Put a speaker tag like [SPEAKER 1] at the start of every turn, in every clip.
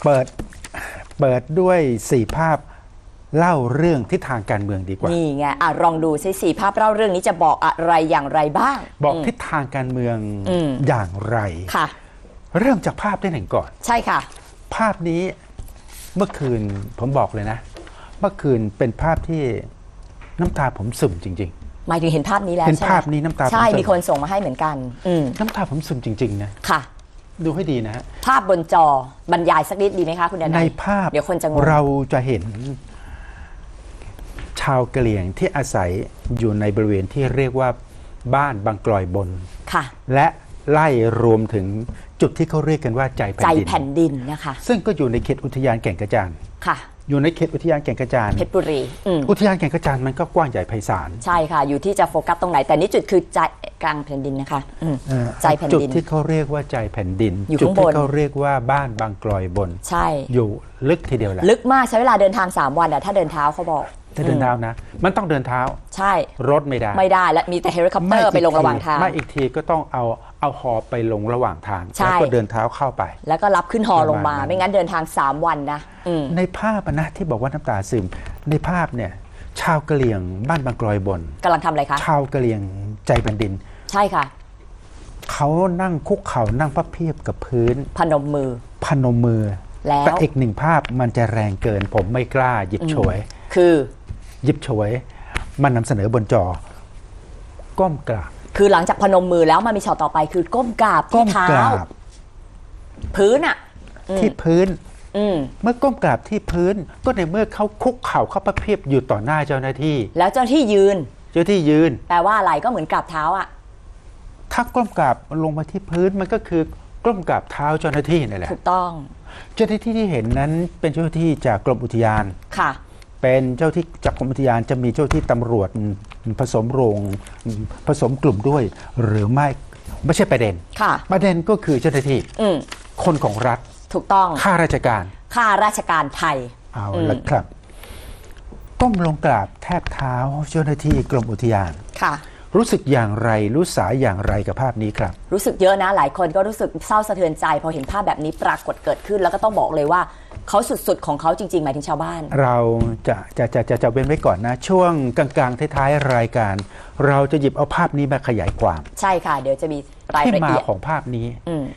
[SPEAKER 1] เปิดด้วย4 ภาพเล่าเรื่องทิศทางการเมืองดีกว่า
[SPEAKER 2] นี่ไงลองดูซิ4 ภาพเล่าเรื่องนี้จะบอกอะไรอย่างไรบ้าง
[SPEAKER 1] บอกทิศทางการเมืองอย่างไร
[SPEAKER 2] ค่ะ
[SPEAKER 1] เริ่มจากภาพที่1ก่อน
[SPEAKER 2] ใช่ค่ะ
[SPEAKER 1] ภาพนี้เมื่อคืนผมบอกเลยนะเมื่อคืนเป็นภาพที่น้ำตาผมซึมจริง
[SPEAKER 2] ๆหมายถึงเห็นภาพนี้แล้ว
[SPEAKER 1] เห็นภาพนี้น้ำตา
[SPEAKER 2] ใช่มีคนส่งมาให้เหมือนกัน
[SPEAKER 1] น้ำตาผมซึมจริงๆนะ
[SPEAKER 2] ค่ะ
[SPEAKER 1] ดูให้ดีนะฮะ
[SPEAKER 2] ภาพบนจอบรรยายสักนิดดีไหมคะคุณดนัย
[SPEAKER 1] ในภาพ
[SPEAKER 2] เดี๋ยวคนจะงง
[SPEAKER 1] เราจะเห็นชาวกะเหรี่ยงที่อาศัยอยู่ในบริเวณที่เรียกว่าบ้านบางกลอยบน
[SPEAKER 2] ค่ะ
[SPEAKER 1] และไล่รวมถึงจุดที่เขาเรียกกันว่าใจแผ่นดิน
[SPEAKER 2] นะคะ
[SPEAKER 1] ซึ่งก็อยู่ในเขตอุทยานแก่งกระจาน
[SPEAKER 2] ค่ะ
[SPEAKER 1] อยู่ในเขตอุทยานแก่งกระจาน
[SPEAKER 2] เพชรบุรี
[SPEAKER 1] อุทยานแก่งกระจานมันก็กว้างใหญ่ไพศาล
[SPEAKER 2] ใช่ค่ะอยู่ที่จะโฟกัสตรงไหนแต่นี่จุดคือใจกลางแผ่นดินนะคะใจแผ่นดิน
[SPEAKER 1] จุดที่เขาเรียกว่าใจแผ่นดิน
[SPEAKER 2] จุดที่
[SPEAKER 1] เขาเรียกว่าบ้านบางกลอยบน
[SPEAKER 2] ใช่
[SPEAKER 1] อยู่ลึกทีเดียวแหละ
[SPEAKER 2] ลึกมากใช้เวลาเดินทาง3 วันถ้าเดินเท้าเขาบอก
[SPEAKER 1] ถ้าเดินเท้านะมันต้องเดินเท้า
[SPEAKER 2] ใช่
[SPEAKER 1] รถไม่
[SPEAKER 2] ได้และมีแต่เฮลิคอปเตอร์ไปลงระหว่างทาง
[SPEAKER 1] ไม่อีกทีก็ต้องเอาฮอไปลงระหว่างทางแล้วก็เดินเท้าเข้าไป
[SPEAKER 2] แล้วก็รับขึ้นฮอลงมาไม่งั้นเดินทาง3 วันนะ
[SPEAKER 1] ในภาพนะที่บอกว่าน้ำตาซึมในภาพเนี่ยชาวกะเหรี่ยงบ้านบางกลอยบน
[SPEAKER 2] กำลังทำอะไรคะ
[SPEAKER 1] ชาวกะเหรี่ยงใจแผ่นดิน
[SPEAKER 2] ใช่ค่ะ
[SPEAKER 1] เขานั่งคุกเข่านั่งพับเพียบกับพื้น
[SPEAKER 2] พนมมือ
[SPEAKER 1] แล้วแต่อีก1 ภาพมันจะแรงเกินผมไม่กล้าหยิบฉวย
[SPEAKER 2] คือ
[SPEAKER 1] หยิบฉวยมันนำเสนอบนจอก้มกราบ
[SPEAKER 2] คือหลังจากพนมมือแล้วมันมีช็อตต่อไปคือก้มกราบที่เท้าพื้น
[SPEAKER 1] ที่พื้นเมื่อก้มกราบที่พื้นก็ในเมื่อเขาคุกเข่าเขาประเพียบอยู่ต่อหน้าเจ้าหน้าที่
[SPEAKER 2] แล้วเจ้าที่ยืน
[SPEAKER 1] แป
[SPEAKER 2] ลว่าอะไรก็เหมือนกราบเท้า
[SPEAKER 1] ถ้าก้มกราบลงมาที่พื้นมันก็คือก้มกราบเท้าเจ้าหน้าที่นั่นแหละ
[SPEAKER 2] ถูกต้อง
[SPEAKER 1] เจ้าหน้าที่ที่เห็นนั้นเป็นเจ้าหน้าที่จากกรมอุทยาน
[SPEAKER 2] ค่ะ
[SPEAKER 1] เป็นเจ้าที่จากกรมอุทยานจะมีเจ้าที่ตำรวจผสมกลุ่มด้วยหรือไม่ใช่ประเด็นประเด็นก็คือเจ้าหน้าที่คนของรัฐ
[SPEAKER 2] ถูกต้อง
[SPEAKER 1] ข้าราชการ
[SPEAKER 2] ไทย
[SPEAKER 1] เอาละครับก้มลงกราบแทบเท้าเจ้าหน้าที่กรมอุทยาน
[SPEAKER 2] ค่ะ
[SPEAKER 1] รู้สึกอย่างไรรู้สาอย่างไรกับภาพนี้ครับ
[SPEAKER 2] รู้สึกเยอะนะหลายคนก็รู้สึกเศร้าสะเทือนใจพอเห็นภาพแบบนี้ปรากฏเกิดขึ้นแล้วก็ต้องบอกเลยว่าเขาสุดๆของเขาจริงๆหมายถึงชาวบ้าน
[SPEAKER 1] เราจะเว้นไว้ก่อนนะช่วงกลางๆท้ายๆรายการเราจะหยิบเอาภาพนี้มาขยายความ
[SPEAKER 2] ใช่ค่ะเดี๋ยวจะมีรายละเอียด
[SPEAKER 1] ที่มาของภาพนี้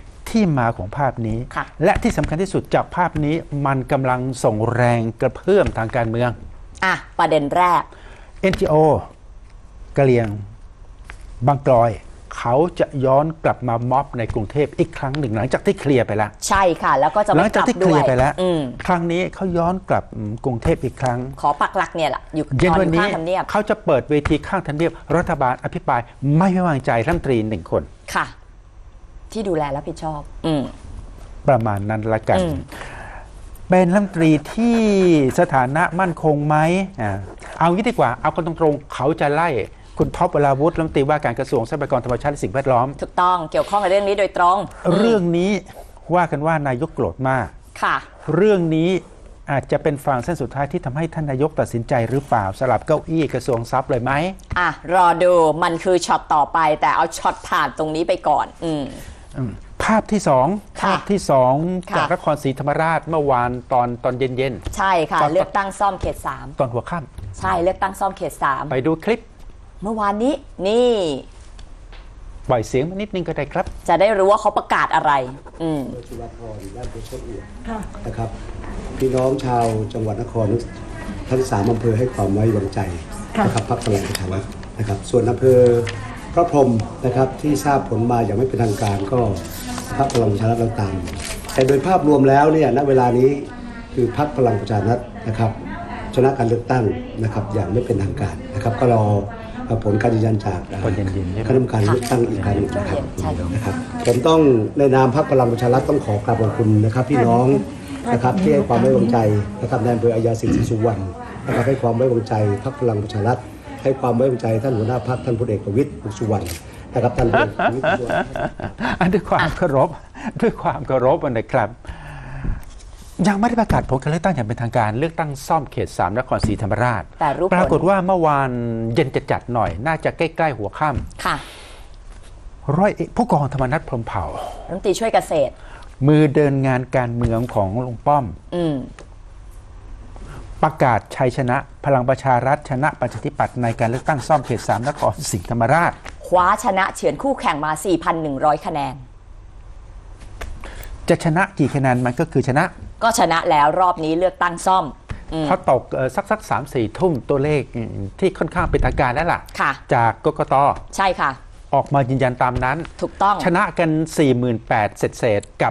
[SPEAKER 1] และที่สำคัญที่สุดจากภาพนี้มันกำลังส่งแรงกระเพื่อมทางการเมือง
[SPEAKER 2] ประเด็นแรก
[SPEAKER 1] NGO กะเหรี่ยงบางกลอยเขาจะย้อนกลับมาม็อบในกรุงเทพอีกครั้งหนึ่งหลังจากที่เคลียร์ไปแล้ว
[SPEAKER 2] ใช่ค่ะแล้วก็จะ
[SPEAKER 1] หลังจากที่เคลียร์ไปแล้วครั้งนี้เขาย้อนกลับกรุงเทพอีกครั้ง
[SPEAKER 2] ขอปักหลักเนี่ยแหละอยู่
[SPEAKER 1] เย็นวันนี้เขาจะเปิดเวทีข้างทำเนียบรัฐบาลอภิปรายไม่ไว้วางใจรัฐมนตรี1 คน
[SPEAKER 2] ค่ะที่ดูแลรับผิดชอบ
[SPEAKER 1] ประมาณนั้นละกันเป็นรัฐมนตรีที่สถานะมั่นคงไหมเอางี้ดีกว่าเอากันตรงๆเขาจะไล่คุณท็อปวราวุฒิรัฐมนตรีว่าการกระทรวงทรัพยากรธรรมชาติและสิ่งแวดล้อม
[SPEAKER 2] ถูกต้องเกี่ยวข้องกับเรื่องนี้โดยตรง
[SPEAKER 1] เรื่องนี้ว่ากันว่านายกโกรธมาก
[SPEAKER 2] ค่ะ
[SPEAKER 1] เรื่องนี้อาจจะเป็นฟางเส้นสุดท้ายที่ทำให้ท่านนายกตัดสินใจหรือเปล่าสลับเก้าอี้กระทรวงทรัพย์เลยไหม
[SPEAKER 2] รอดูมันคือช็อตต่อไปแต่เอาช็อตผ่านตรงนี้ไปก่อน
[SPEAKER 1] ภาพที่2จากนครศรีธรรมราชเมื่อวานตอนเย็น
[SPEAKER 2] ๆใช่ค่ะเลือกตั้งซ่อมเขต3
[SPEAKER 1] ตอนหัวค่
[SPEAKER 2] ำใช่เลือกตั้งซ่อมเขต3
[SPEAKER 1] ไปดูคลิป
[SPEAKER 2] เมื่อวานนี้นี่
[SPEAKER 1] ปล่อยเสียงมานิดนึงก็ได้ครับ
[SPEAKER 2] จะได้รู้ว่าเขาประกาศอะไร
[SPEAKER 3] จุฬาภรณ์ด้านเพชรเอียนะครับพี่น้องชาวจังหวัดนครทั้ง3 อำเภอให้ความไว้วางใจนะครับพรรคพลังประชารัฐนะครับส่วนอำเภอพระพรหมนะครับที่ทราบผลมาอย่างไม่เป็นทางการก็พรรคพลังประชารัฐเราตามแต่โดยภาพรวมแล้วเนี่ยณเวลานี้คือพรรคพลังประชารัฐนะครับชนะการเลือกตั้งนะครับอย่างไม่เป็นทางการนะครับก็รอผลการยืนยันจากคณะกรรมการเลือกตั้งอีกครั้งนะครับผมต้องในนามพรรคพลังประชารัฐต้องขอกราบขอบคุณนะครับพี่น้องนะครับที่ให้ความไว้วางใจนะครับในอำเภออัยยาสิงห์ศรีสุวรรณนะครับให้ความไว้วางใจพรรคพลังประชารัฐให้ความไว้วางใจท่านหัวหน้าพรรคท่านพลเอกประวิตรวงษ์สุวรรณนะครับท่าน
[SPEAKER 1] ด้วยความเคารพนะครับยังไม่ได้ประกาศผลการเลือกตั้งอย่างเป็นทางการเลือกตั้งซ่อมเขต3นครศรีธรรมราชปรากฏว่าเมื่อวานเย็นจัดหน่อยน่าจะใกล้ๆหัวค่ำ
[SPEAKER 2] ค่ะ
[SPEAKER 1] ร้อยผู้กองธรรมนัสพรหมเผ่า
[SPEAKER 2] รัฐมนตรีช่วยเกษตร
[SPEAKER 1] มือเดินงานการเมืองของลุงป้อม ประกาศชัยชนะพลังประชารัฐชนะประชาธิปัตย์ในการเลือกตั้งซ่อมเขต 3 นครศรีธรรมราช
[SPEAKER 2] คว้าชนะเฉือนคู่แข่งมา 4,100 คะแนน
[SPEAKER 1] จะชนะกี่คะแนนมันก็คือชนะ
[SPEAKER 2] ก็ชนะแล้วรอบนี้เลือกตั้งซ่อม
[SPEAKER 1] พอตกสัก 3-4 ทุ่มตัวเลขที่ค่อนข้างเป็นทางการแล้วล่ะจากกกต.
[SPEAKER 2] ใช่ค่ะ
[SPEAKER 1] ออกมายืนยันตามนั้น
[SPEAKER 2] ถูกต้อง
[SPEAKER 1] ชนะกัน 48,000 เศษกับ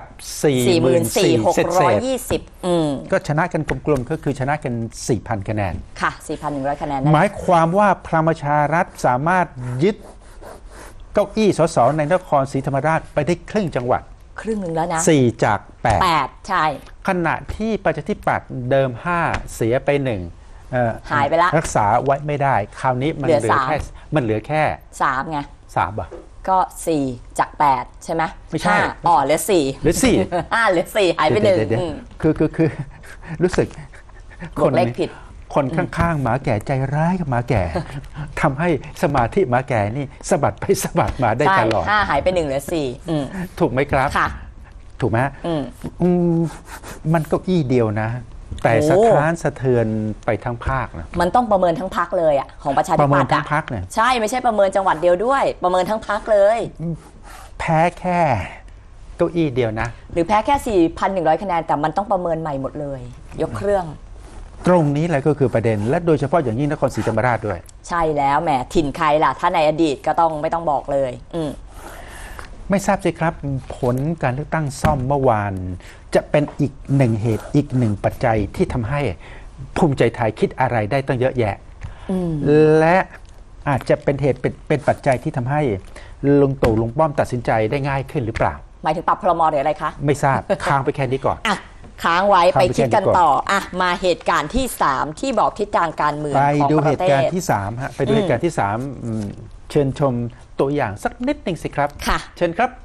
[SPEAKER 1] 44,620ก็ชนะกันกลมๆก็คือชนะกัน 4,000 คะแนน
[SPEAKER 2] ค่ะ 4,100 คะแนน
[SPEAKER 1] หมายความว่าพลังประชารัฐสามารถยึดเก้าอี้สสในนครศรีธรรมราชไปได้ครึ่งจังหวัด
[SPEAKER 2] ครึ่งหนึ่งแล้วนะ
[SPEAKER 1] 4 จาก
[SPEAKER 2] 8ใช่
[SPEAKER 1] ขณะที่ประชาธิปัตย์เดิม5เสียไป1
[SPEAKER 2] หายไปละ
[SPEAKER 1] รักษาไว้ไม่ได้คราวนี้มันเหลือแค่
[SPEAKER 2] 3ไง
[SPEAKER 1] 3อ่ะ
[SPEAKER 2] ก็4จาก8ใช่ไหม
[SPEAKER 1] ไม่ใช่
[SPEAKER 2] เหลือ4
[SPEAKER 1] เหลือ4
[SPEAKER 2] เหลือ4หายไป1
[SPEAKER 1] คือรู้สึก
[SPEAKER 2] คนเลขผิด
[SPEAKER 1] คนข้างๆหมาแก่ใจร้ายกับหมาแก่ทำให้สมาธิหมาแก่นี่สะบัดไปสะบัดมาได้ตลอด
[SPEAKER 2] 5หายไป1เหลือ4
[SPEAKER 1] ถูกไหมครับ
[SPEAKER 2] ค่ะ
[SPEAKER 1] ถูกไหมมันก็อี้เดียวนะแต่สะท้านสะเทือนไปทั้งภาคนะ
[SPEAKER 2] มันต้องประเมินทั้งพรรคเลยอ่ะของประชาธิปัตย์
[SPEAKER 1] ประเมินทั้งพรรคเนี่ย
[SPEAKER 2] ใช่ไม่ใช่ประเมินจังหวัดเดียวด้วยประเมินทั้งพรรคเลย
[SPEAKER 1] แพ้แค่เก้าอี้เดียวนะ
[SPEAKER 2] หรือแพ้แค่ 4,100 คะแนนแต่มันต้องประเมินใหม่หมดเลยยกเครื่อง
[SPEAKER 1] ตรงนี้แหละก็คือประเด็นและโดยเฉพาะอย่างยิ่งนครศรีธรรมราชด้วย
[SPEAKER 2] ใช่แล้วแหมถิ่นใครล่ะถ้าในอดีตก็ต้องไม่ต้องบอกเลย
[SPEAKER 1] ไม่ทราบสิครับผลการเลือกตั้งซ่อมเมื่อวานจะเป็นอีกหนึ่งเหตุอีกหนึ่งปัจจัยที่ทำให้ภูมิใจไทยคิดอะไรได้ตั้งเยอะแยะและอาจจะเป็นเหตุเป็นปัจจัยที่ทำให้ลุงตู่ลุงป้อมตัดสินใจได้ง่ายขึ้นหรือเปล่า
[SPEAKER 2] หมายถึงปรับพรม.หรืออะไรคะ
[SPEAKER 1] ไม่ทราบค้างไปแค่นี้ก่อน
[SPEAKER 2] ค้างไว้ไปคิดกันต่อมาเหตุการณ์ที่3ที่บอกทิศทางการเมือง
[SPEAKER 1] ของประเทศไปดูเหตุการณ์ที่3ฮะไปดูเหตุการณ์ที่3เชิญชมตัวอย่างสักนิดหนึ่งสิครับ
[SPEAKER 2] ค่ะ
[SPEAKER 1] เชิญครับ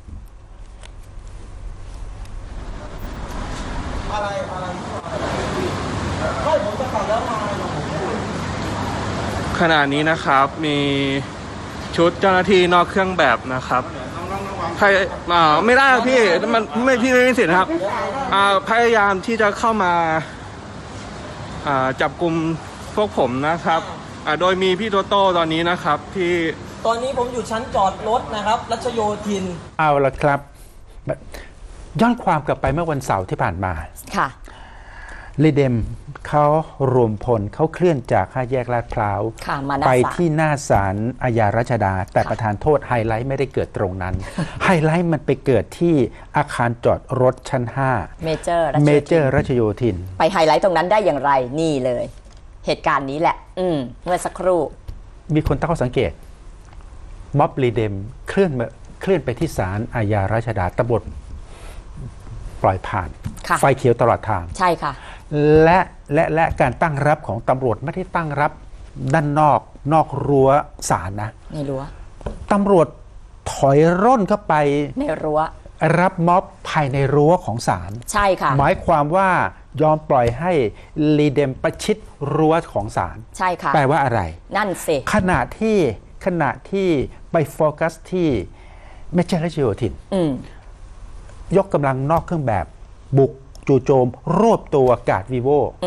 [SPEAKER 4] ขณะนี้นะครับมีชุดเจ้าหน้าที่นอกเครื่องแบบนะครับใครไม่ได้พี่มันไม่พี่ไม่มีสิทธิ์ครับพยายามที่จะเข้ามาจับกลุ่มพวกผมนะครับโดยมีพี่โตโต้ตอนนี้นะครับที่
[SPEAKER 5] ตอนนี้ผมอยู่ชั้นจอดรถนะครับรัชโยธิน
[SPEAKER 1] เอาละครับย้อนความกลับไปเมื่อวันเสาร์ที่ผ่านมา
[SPEAKER 2] ค่ะ
[SPEAKER 1] ลีเดมเขารวมพลเขาเคลื่อนจาก5 แยกลาดพร้าวไปที่หน้าศาลอาญารัชดาแต่ประธานโทษไฮไลท์ไม่ได้เกิดตรงนั้นไฮไลท์มันไปเกิดที่อาคารจอดรถชั้น5เมเจอร์รัชโยธิน
[SPEAKER 2] ไปไฮไลท์ตรงนั้นได้อย่างไรนี่เลยเหตุการณ์นี้แหละเมื่อสักครู่
[SPEAKER 1] มีคนตั้งข้อสังเกตม็อบลีเดมเคลื่อนไปที่ศาลอาญารัชดาตำรวจปล่อยผ่านไฟเขียวตลอดทาง
[SPEAKER 2] ใช่ค่ะ
[SPEAKER 1] และการตั้งรับของตำรวจไม่ได้ตั้งรับด้านนอกรั้วศาลนะ
[SPEAKER 2] ในรั้ว
[SPEAKER 1] ตำรวจถอยร่นเข้าไป
[SPEAKER 2] ในรั้ว
[SPEAKER 1] รับม็อบภายในรั้วของศาล
[SPEAKER 2] ใช่ค่ะ
[SPEAKER 1] หมายความว่ายอมปล่อยให้ลีเดมประชิดรั้วของศาล
[SPEAKER 2] ใช่ค่ะ
[SPEAKER 1] แปลว่าอะไร
[SPEAKER 2] นั่นสิ
[SPEAKER 1] ขณะที่ไปโฟกัสที่เมเจอร์รัชโยธินยกกำลังนอกเครื่องแบบบุกจู่โจมรวบตัวกาดวีโว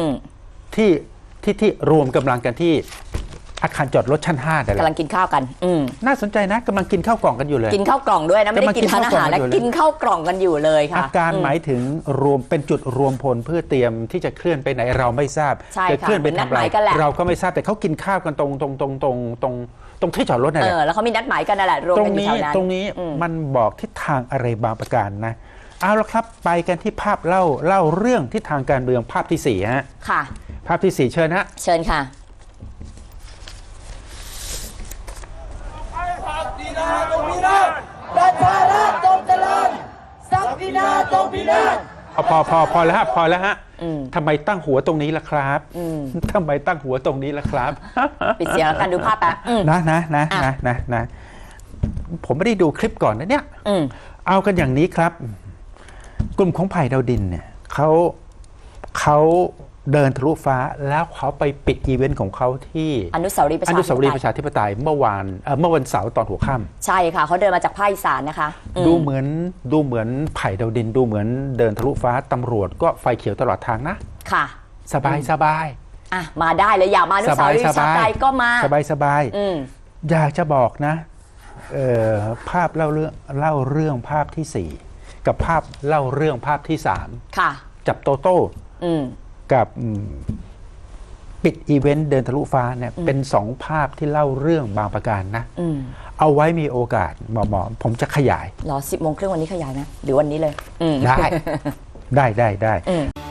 [SPEAKER 1] ที่รวมกำลังกันที่อาคารจอดรถชั้น5แต่ละ
[SPEAKER 2] กำลังกินข้าวกัน
[SPEAKER 1] น่าสนใจนะกำลังกินข้าวกล่องกันอยู่เลย
[SPEAKER 2] กินข้าวกล่องด้วยนะไม่ได้กินทานอาหารแล้วกินข้าวกล่องกันอยู่เลยค่ะ
[SPEAKER 1] อาการหมายถึงรวมเป็นจุดรวมพลเพื่อเตรียมที่จะเคลื่อนไปไหนเราไม่ทราบจะเคลื่อนไปทำอะไรเราก็ไม่ทราบแต่เขากินข้าวกันตรงที่จอดรถนั่นแหละ
[SPEAKER 2] แล้วเขามีนัดหมายกันนั่นแหละรวมกันอยู่แถวนั้น
[SPEAKER 1] ตรงนี้มันบอกทิศทางอะไรบางประการนะเอาละครับไปกันที่ภาพเล่าเรื่องทิศทางการเมืองภาพที่4ฮะ
[SPEAKER 2] ค่ะ
[SPEAKER 1] ภาพที่4เชิญฮะ
[SPEAKER 2] เชิญค่ะ
[SPEAKER 6] ประชาราษฎร์จงเจริญศักดินาจงพินาศ
[SPEAKER 1] พอแล้วฮะพอแล้วฮะทำไมตั้งหัวตรงนี้ล่ะครับทำไมตั้งหัวตรงนี้ล่ะครับ
[SPEAKER 2] ปิดเสียงแล้วกันดูภาพแป๊บ
[SPEAKER 1] นะผมไม่ได้ดูคลิปก่อนนะเนี่ยเอากันอย่างนี้ครับกลุ่มของไผ่ดาวดินเนี่ยเขาเดินทะลุฟ้าแล้วเขาไปปิดอีเวนต์ของเขาที่
[SPEAKER 2] อนุสาวรีย์ประ
[SPEAKER 1] อ
[SPEAKER 2] ชา
[SPEAKER 1] นุ
[SPEAKER 2] ธิ
[SPEAKER 1] สาว
[SPEAKER 2] ป
[SPEAKER 1] รีย์
[SPEAKER 2] ไต
[SPEAKER 1] ป
[SPEAKER 2] ย
[SPEAKER 1] ระชาธิปไตยเมื่อวันเสาร์ตอนหัวค่
[SPEAKER 2] ใช่ค่ะเขาเดินมาจากภาคอีสานนะคะ
[SPEAKER 1] ำดูเหมือนไผ่ดาวดินดูเหมือนเดินทะลุฟ้าตำรวจก็ไฟเขียวตลอดทางนะ
[SPEAKER 2] ค่ะ
[SPEAKER 1] สบายสบาย
[SPEAKER 2] อ่ะมาได้เลยอยากมาอนุสาวรีย์ประชาธิปไตยก็มา
[SPEAKER 1] สบายสบาย
[SPEAKER 2] อืม
[SPEAKER 1] อยากจะบอกนะภาพเล่าเรื่องภาพที่ 4 กับภาพเล่าเรื่องภาพที่
[SPEAKER 2] ค่ะ
[SPEAKER 1] 3 จับโตโต้
[SPEAKER 2] อืม
[SPEAKER 1] กับปิดอีเวนต์เดินทะลุฟ้าเนี่ยเป็น2ภาพที่เล่าเรื่องบางประการนะ
[SPEAKER 2] อืม
[SPEAKER 1] เอาไว้มีโอกาสหมอผมจะขยาย
[SPEAKER 2] เหรอ 10 โมงครึ่งวันนี้ขยายไหมหรือวันนี้เลย อืม
[SPEAKER 1] ได้
[SPEAKER 2] อืม